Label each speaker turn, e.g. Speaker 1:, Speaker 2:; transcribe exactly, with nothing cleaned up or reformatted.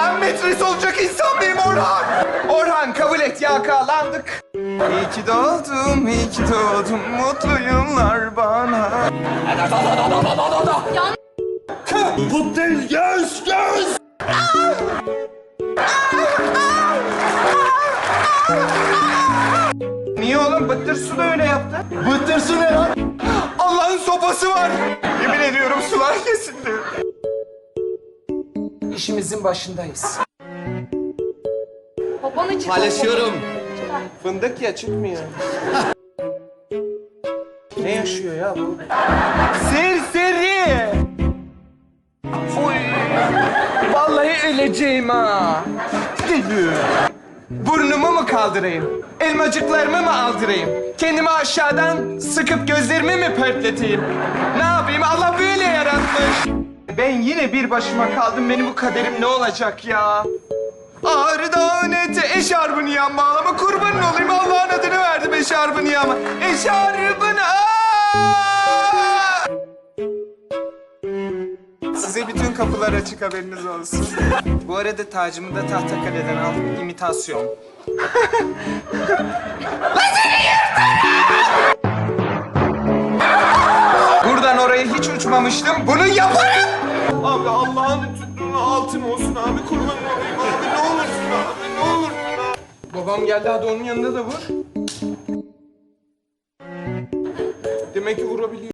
Speaker 1: Ben metres olacak insan mıyım Orhan? Orhan kabul et, yakalandık. İyi ki doğdum, iyi ki doğdum. Mutlu yıllar bana.
Speaker 2: Buradayız, göz, göz.
Speaker 1: Niye oğlum? Bıttır su da öyle yaptı.
Speaker 2: Bıttır su ne lan?
Speaker 1: Allah'ın sopası var. Yemin ediyorum sular kesildi. İşimizin başındayız.
Speaker 3: Babanı çıkar.
Speaker 2: Paylaşıyorum.
Speaker 1: Fındık ya, çıkmıyor. Ne yaşıyor ya bu? Serseri! Oy! Vallahi öleceğim ha! Burnumu mu kaldırayım? Elmacıklarımı mı aldırayım? Kendimi aşağıdan sıkıp gözlerimi mi pörtleteyim? Ne yapayım? Allah böyle yaratmış. Ben yine bir başıma kaldım. Benim bu kaderim ne olacak ya? Ağrı dağın eti eşarbını yan bağlama. Kurbanın olayım, Allah'ın adını verdim eşarbını yanma. Eşarbını aa! Size bütün kapılar açık, haberiniz olsun. Bu arada tacımı da Tahtakale'den aldım, imitasyon. Buradan oraya hiç uçmamıştım, bunu yaparım! Abi Allah'ın tuttuğunu altın olsun abi, kurbanın olayım abi, ne olursun abi, ne olursun abi. Babam geldi, hadi onun yanında da vur. Demek ki vurabiliyor.